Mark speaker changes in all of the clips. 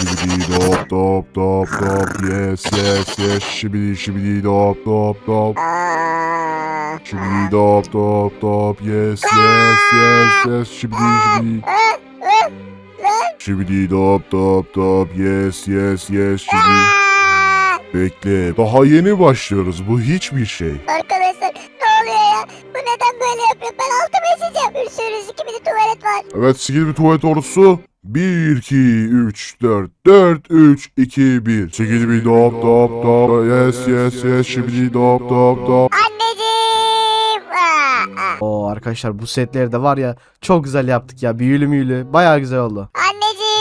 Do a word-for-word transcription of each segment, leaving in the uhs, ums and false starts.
Speaker 1: Şibidi dop dop dop dop. Yes yes yes. Şibidi şibidi dop dop dop.
Speaker 2: Aa,
Speaker 1: Şibidi dop dop dop. Yes yes yes yes. Şibidi şibidi. Şibidi dop dop dop. Yes yes yes. Şibidi. Bekle. Daha yeni başlıyoruz. Bu hiçbir şey.
Speaker 2: Arkadaşlar ne oluyor ya? Bu neden böyle yapıyor? Ben altıma işeceğim. Bir sürü sikimli tuvalet var.
Speaker 1: Evet, sikili bir tuvalet ordusu. bir, iki, üç, dört, dört, üç, iki, bir. Sikili bir dop dop dop. Yes yes yes. Şibidi dop dop dop.
Speaker 2: Anneciğim. Aa, aa.
Speaker 3: Oo arkadaşlar bu setleri de var ya çok güzel yaptık ya. Büyülü müyülü. Bayağı güzel oldu.
Speaker 2: Anneciğim.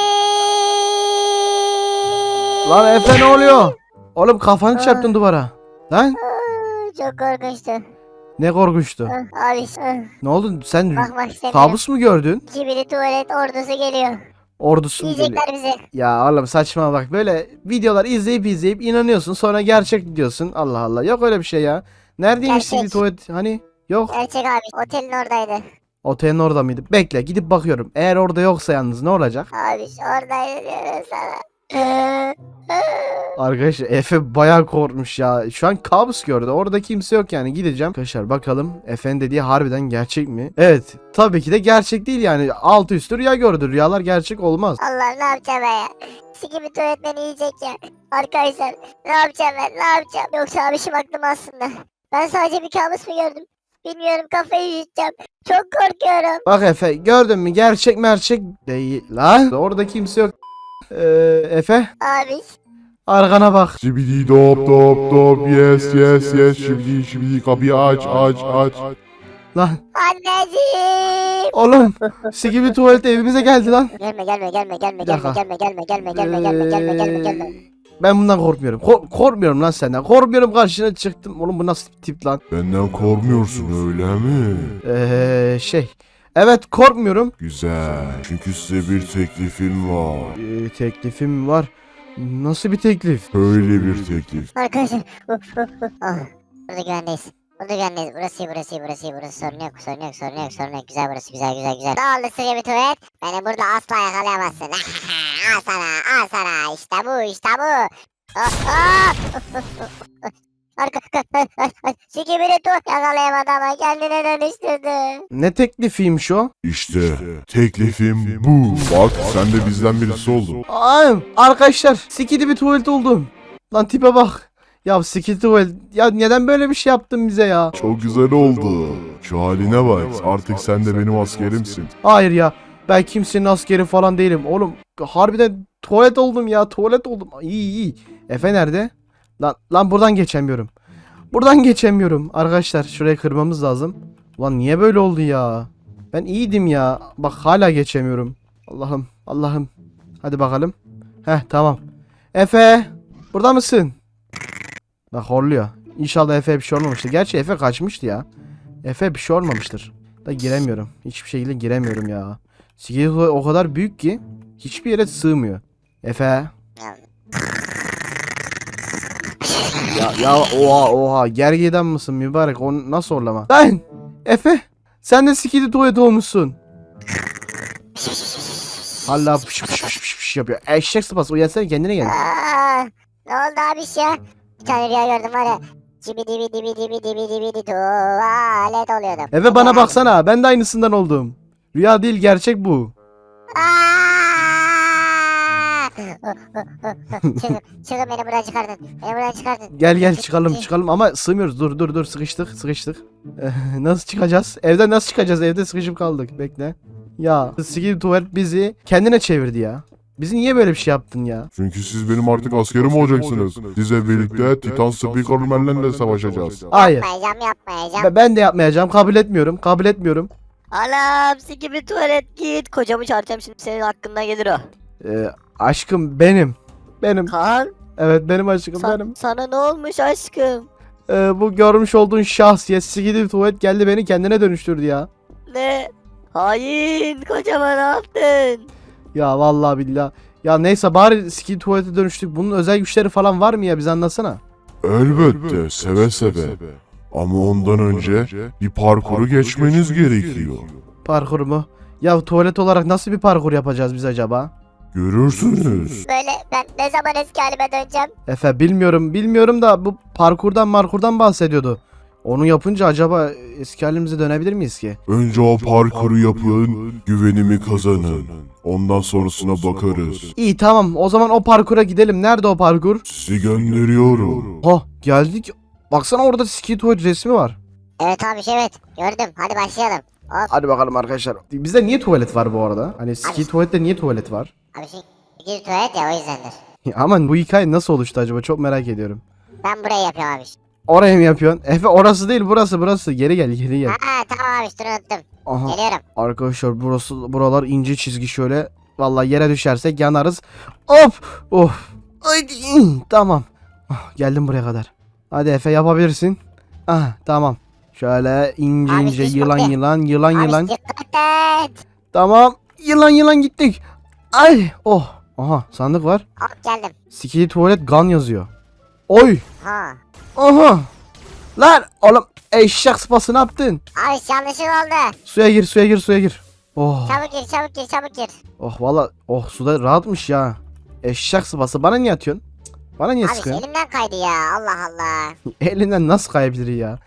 Speaker 3: Lan Efe ne oluyor? Oğlum kafanı çarptın duvara. Lan
Speaker 2: Aa, çok korkunçtu.
Speaker 3: ne korkunçtu.
Speaker 2: Ah, Abi ah,
Speaker 3: Ne oldu sen
Speaker 2: bakmak istemiyorum.
Speaker 3: kabus mu gördün?
Speaker 2: Kibiri tuvalet ordusu geliyor.
Speaker 3: Ordusu mu geliyor?
Speaker 2: Yiyecekler bizi.
Speaker 3: Ya oğlum saçma bak böyle videolar izleyip izleyip inanıyorsun sonra gerçek diyorsun. Allah Allah yok öyle bir şey ya. Neredeymiş
Speaker 2: Gerçek.
Speaker 3: bir tuvalet hani yok.
Speaker 2: Gerçek abi. Otelin oradaydı.
Speaker 3: Otelin orada mıydı? Bekle gidip bakıyorum. Eğer orada yoksa yalnız ne olacak?
Speaker 2: Abi oradaydı diyorum sana.
Speaker 3: Arkadaşlar Efe bayağı korkmuş ya. Şu an kabus gördü. Orada kimse yok yani. Gideceğim. Arkadaşlar bakalım Efe'nin dediği harbiden gerçek mi? Evet. Tabii ki de gerçek değil yani. Altı üstü rüya gördü. Rüyalar gerçek olmaz.
Speaker 2: Allah ne yapacağım ben ya? Sikimi tuvalet beni yiyecek ya. Arkadaşlar ne yapacağım ben ne yapacağım? Yoksa abişim aklım aslında. Ben sadece bir kabus mu gördüm? Bilmiyorum kafayı yiyeceğim. Çok korkuyorum.
Speaker 3: Bak Efe gördün mü? Gerçek merçek değil lan. Orada kimse yok. Ee, Efe
Speaker 2: Abi.
Speaker 3: arkana bak.
Speaker 1: Şibidi dop dop dop. Yes yes yes. Şibidi şibidi. Kapıyı aç aç aç.
Speaker 3: Lan
Speaker 2: Anneciğim.
Speaker 3: oğlum sikimi tuvalet evimize geldi lan.
Speaker 2: Gelme gelme gelme gelme
Speaker 3: Bir
Speaker 2: gelme
Speaker 3: dakika.
Speaker 2: gelme gelme gelme gelme gelme gelme gelme gelme.
Speaker 3: Ben bundan korkmuyorum. Ko- korkmuyorum lan senden. Korkmuyorum karşına çıktım. Oğlum bu nasıl bir tip lan?
Speaker 1: Benden korkmuyorsun öyle mi?
Speaker 3: Eee şey. Evet korkmuyorum.
Speaker 1: Güzel. Çünkü size bir teklifim var.
Speaker 3: Ee, teklifim var. Nasıl bir teklif?
Speaker 1: Öyle bir teklif.
Speaker 2: Arkadaşlar. Uf, uf, uf. Ah, burada güvendeyiz. Burada güvendeyiz. Burası iyi, burası iyi, burası iyi. Burası sorun yok, sorun yok, sorun yok, sorun yok. Güzel burası, güzel, güzel, güzel. Ne oldu size bir tuvalet? Beni burada asla yakalayamazsın. Al sana, al sana. İşte bu, işte bu. Oh, oh. Arka, Sikibiri tu yakalayamadı ama kendine dönüştürdü.
Speaker 3: Ne teklifiymiş o?
Speaker 1: İşte teklifim bu. Bak sen de bizden birisi oldun.
Speaker 3: Ay, arkadaşlar sikidi bir tuvalet oldum. Lan tipe bak. Ya sikidi tuvalet. Ya neden böyle bir şey yaptın bize ya?
Speaker 1: Çok güzel oldu. Şu haline bak. Artık sen de benim askerimsin.
Speaker 3: Hayır ya. Ben kimsenin askeri falan değilim. Oğlum harbiden tuvalet oldum ya. Tuvalet oldum. İyi iyi. Efe nerede? Lan, lan buradan geçemiyorum. Buradan geçemiyorum. Arkadaşlar şurayı kırmamız lazım. Ulan niye böyle oldu ya? Ben iyiydim ya. Bak hala geçemiyorum. Allah'ım Allah'ım. Hadi bakalım. Heh tamam. Efe. Burada mısın? Bak horluyor. İnşallah Efe bir şey olmamıştır. Gerçi Efe kaçmıştı ya. Efe bir şey olmamıştır. Da giremiyorum. Hiçbir şekilde giremiyorum ya. Siketi o kadar büyük ki hiçbir yere sığmıyor. Efe. Ya ya oha oha gergedan mısın mübarek o nasıl orlama? Lan Efe sen de sikidi tuvalet olmuşsun. Hala pış pış pış pış pış yapıyor. Eşek sıpası uyansana kendine gel.
Speaker 2: Aa, ne oldu abi ya? Bir tane rüya gördüm var ya. Cibi dibi dibi dibi dibi dibi tuvalet oluyordum.
Speaker 3: Efe bana baksana ben de aynısından oldum. Rüya değil gerçek bu.
Speaker 2: Aa! çıkın, çıkın beni buradan çıkardın. Beni buradan çıkardın.
Speaker 3: Gel gel çıkalım çıkalım ama sığmıyoruz. Dur dur dur sıkıştık sıkıştık. Eh, nasıl çıkacağız? Evden nasıl çıkacağız? Evde sıkışıp kaldık. Bekle. Ya sikidi tuvalet bizi kendine çevirdi ya. Bizi niye böyle bir şey yaptın ya?
Speaker 1: Çünkü siz benim artık askerim olacaksınız. Sizle birlikte Titan Speakerman'le savaşacağız.
Speaker 3: Hayır.
Speaker 2: Yapmayacağım yapmayacağım.
Speaker 3: Be- Ben de yapmayacağım. Kabul etmiyorum. Kabul etmiyorum.
Speaker 4: Anam sikimi tuvalet git. Kocamı çağıracağım şimdi senin hakkında gelir o.
Speaker 3: Ee, aşkım benim. Benim.
Speaker 4: Kaan
Speaker 3: Evet benim aşkım
Speaker 4: sa-
Speaker 3: benim.
Speaker 4: sana ne olmuş aşkım?
Speaker 3: Ee, bu görmüş olduğun şahsiyet sikidi tuvalet geldi beni kendine dönüştürdü ya.
Speaker 4: Ne? Hain kocama ne yaptın?
Speaker 3: Ya vallahi billahi. Ya neyse bari sikidi tuvalete dönüştük. Bunun özel güçleri falan var mı ya? Bize anlatsana.
Speaker 1: Elbette seve seve. Ama ondan önce bir parkuru geçmeniz gerekiyor.
Speaker 3: Parkur mu? Ya tuvalet olarak nasıl bir parkur yapacağız biz acaba?
Speaker 1: Görürsünüz.
Speaker 2: Böyle ben ne zaman eski halime döneceğim?
Speaker 3: Efe bilmiyorum bilmiyorum da bu parkurdan markurdan bahsediyordu. Onu yapınca acaba eski halimize dönebilir miyiz ki?
Speaker 1: Önce o parkuru yapın, güvenimi kazanın. Ondan sonrasına bakarız.
Speaker 3: İyi tamam o zaman o parkura gidelim. Nerede o parkur?
Speaker 1: Sizi gönderiyorum.
Speaker 3: Ha geldik. Baksana orada Skitoid resmi var.
Speaker 2: Evet abi evet gördüm. Hadi başlayalım. Hop.
Speaker 3: Hadi bakalım arkadaşlar. Bizde niye tuvalet var bu arada? Hani Skitoid'de niye tuvalet var?
Speaker 2: Abi şimdi gir tuvalet ya o yüzdendir.
Speaker 3: Aman bu hikaye nasıl oluştu acaba? Çok merak ediyorum.
Speaker 2: Ben burayı yapıyorum abi.
Speaker 3: Oraya mı yapıyorsun? Efe orası değil burası burası. Geri gel geri gel.
Speaker 2: Ha tamam abi dur unuttum.
Speaker 3: Aha.
Speaker 2: Geliyorum.
Speaker 3: Arkadaşlar burası buralar ince çizgi şöyle. Vallahi yere düşersek yanarız. Hop! Of! Haydi! Tamam. Ah, geldim buraya kadar. Hadi Efe yapabilirsin. Ah tamam. Şöyle ince
Speaker 2: Abi,
Speaker 3: ince
Speaker 2: hiç
Speaker 3: yılan
Speaker 2: bakma.
Speaker 3: yılan yılan
Speaker 2: Abi
Speaker 3: yılan.
Speaker 2: dikkat et.
Speaker 3: Tamam. Yılan yılan gittik. Ay! Oh! Aha sandık var.
Speaker 2: Hop geldim.
Speaker 3: Skili tuvalet gun yazıyor. Oy!
Speaker 2: Ha.
Speaker 3: Aha! Lan oğlum eşek sıpası ne yaptın?
Speaker 2: Abi yanlışlık oldu.
Speaker 3: Suya gir suya gir suya gir. Oh!
Speaker 2: Çabuk gir çabuk gir çabuk gir.
Speaker 3: Oh valla oh suda rahatmış ya. Eşek sıpası bana niye atıyorsun? Cık, bana niye
Speaker 2: Abi
Speaker 3: sıkıyorsun?
Speaker 2: elimden kaydı ya Allah Allah.
Speaker 3: Elinden nasıl kayabilir ya?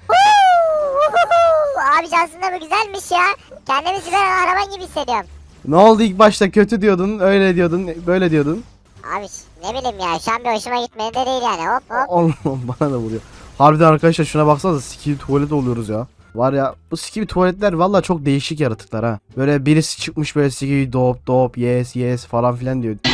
Speaker 2: Abi aslında bu güzelmiş ya. Kendimi süper kahraman gibi hissediyorum.
Speaker 3: Ne oldu ilk başta kötü diyordun, öyle diyordun, böyle diyordun.
Speaker 2: Abi ne bileyim ya şu an bir hoşuma gitmedi de değil yani hop hop.
Speaker 3: Allah'ım bana da vuruyor. Harbiden arkadaşlar şuna baksanıza sikili tuvalet oluyoruz ya. Var ya bu sikili tuvaletler valla çok değişik yaratıklar ha. Böyle birisi çıkmış böyle sikili dop dop yes yes falan filan diyor.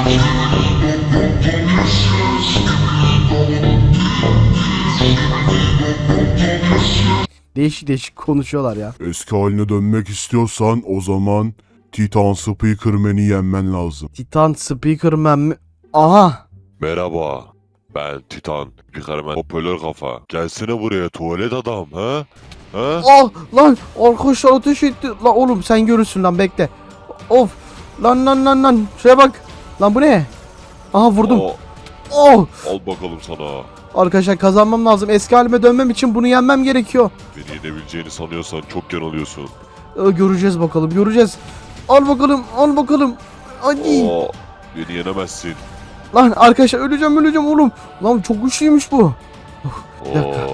Speaker 3: Değişik değişik konuşuyorlar ya.
Speaker 1: Eski haline dönmek istiyorsan o zaman Titan Speakerman'i yenmen lazım.
Speaker 3: Titan Speakerman mi? Aha.
Speaker 5: Merhaba. Ben Titan. Spikerman. Hoparlör kafa. Gelsene buraya tuvalet adam ha? Ha?
Speaker 3: Oh lan arkadaşlar ateş etti. Lan oğlum sen görürsün lan bekle. Of. Lan lan lan lan. Şuraya bak. Lan bu ne? Aha vurdum.
Speaker 5: Aa,
Speaker 3: Oh.
Speaker 5: al bakalım sana.
Speaker 3: Arkadaşlar kazanmam lazım. Eski halime dönmem için bunu yenmem gerekiyor.
Speaker 5: Beni yenebileceğini sanıyorsan çok yanılıyorsun.
Speaker 3: Ee, göreceğiz bakalım göreceğiz. Al bakalım al bakalım. Hadi.
Speaker 5: Aa, beni yenemezsin.
Speaker 3: Lan arkadaşlar öleceğim öleceğim oğlum. Lan çok güçlüymüş bu. Bir dakika.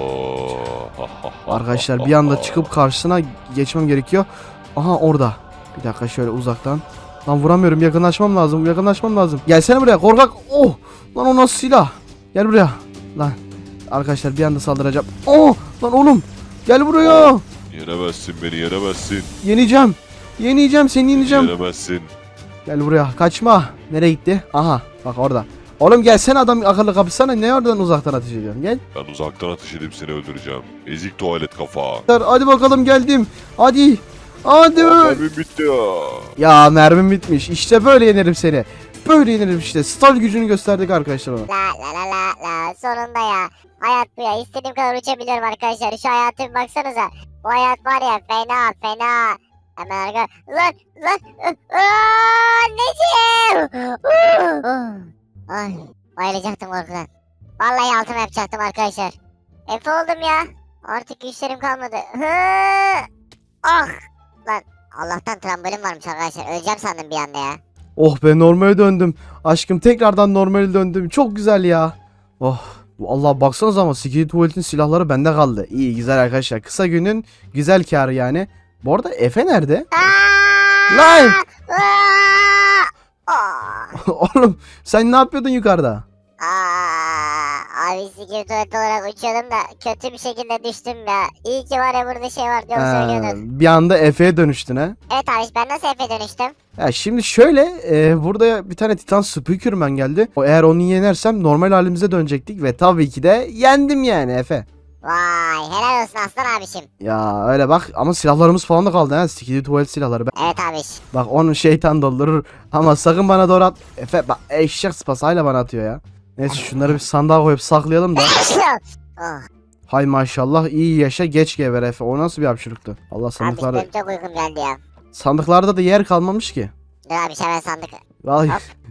Speaker 5: Oo.
Speaker 3: Arkadaşlar bir anda çıkıp karşısına geçmem gerekiyor. Aha orada. Bir dakika şöyle uzaktan. Lan vuramıyorum yakınlaşmam lazım yakınlaşmam lazım. Gelsene buraya korkak. Oh. Lan o nasıl silah? Gel buraya. Lan. Arkadaşlar bir anda saldıracağım. Oh. Lan oğlum. Gel buraya.
Speaker 5: Yenemezsin beni yenemezsin.
Speaker 3: Yeneceğim. Yeneceğim seni yeneceğim.
Speaker 5: Yenemezsin.
Speaker 3: Gel buraya kaçma. Nereye gitti? Aha bak orada. Oğlum gelsene adam akıllı kapışsana. Ne oradan uzaktan ateş ediyorsun? Gel.
Speaker 5: Ben uzaktan ateş edip seni öldüreceğim. Ezik tuvalet kafa.
Speaker 3: Hadi bakalım geldim. Hadi. Hadi.
Speaker 5: Aa, mermim bitti ya.
Speaker 3: Ya mermim bitmiş. İşte böyle yenerim seni. Böyle yenerim işte. Star gücünü gösterdik arkadaşlar ona.
Speaker 2: La la la la la sonunda ya. Hayat bu ya istediğim kadar uçabiliyorum arkadaşlar. Şu hayata bir baksanıza. Bu hayat var ya fena fena. Hemen arka. Lan lan. Aa, anneciğim. Ay bayılacaktım korkudan. Vallahi altıma yapacaktım arkadaşlar. Efe oldum ya. Artık güçlerim kalmadı. Hı. Ah. Lan Allah'tan trambolin varmış arkadaşlar. Öleceğim sandım bir anda ya.
Speaker 3: Oh be normale döndüm. Aşkım tekrardan normale döndüm. Çok güzel ya. Oh. Allah baksanız ama Skili Tuvalet'in silahları bende kaldı. İyi güzel arkadaşlar. Kısa günün güzel karı yani. Bu arada Efe nerede?
Speaker 2: Aa!
Speaker 3: Lan!
Speaker 2: Aa! Aa!
Speaker 3: Oğlum sen ne yapıyordun yukarıda?
Speaker 2: Aa, abi sikir tuvalet olarak uçuyordum da kötü bir şekilde düştüm ya. İyi ki var ya burada şey var diyorum
Speaker 3: Ha,
Speaker 2: söylüyordun.
Speaker 3: bir anda Efe'ye dönüştün ha.
Speaker 2: Evet abi ben nasıl Efe dönüştüm?
Speaker 3: Ya şimdi şöyle e, burada bir tane Titan Speakerman geldi. O eğer onu yenersem normal halimize dönecektik ve tabii ki de yendim yani Efe.
Speaker 2: Vay helal olsun aslan abişim.
Speaker 3: Ya öyle bak ama silahlarımız falan da kaldı ha. Skili tuvalet silahları. Ben-
Speaker 2: Evet abiş.
Speaker 3: Bak onu şeytan doldurur ama sakın bana doğru at. Efe bak eşek sıpasıyla bana atıyor ya. Neyse şunları bir sandığa koyup saklayalım da.
Speaker 2: oh,
Speaker 3: Hay maşallah iyi yaşa geç geber Efe. O nasıl bir hapşırıktı? Allah
Speaker 2: abiş
Speaker 3: sandıklarda,
Speaker 2: benim çok uykum geldi ya.
Speaker 3: sandıklarda da yer kalmamış ki.
Speaker 2: Dur abiş hemen sandık.
Speaker 3: Vallahi
Speaker 2: Hop.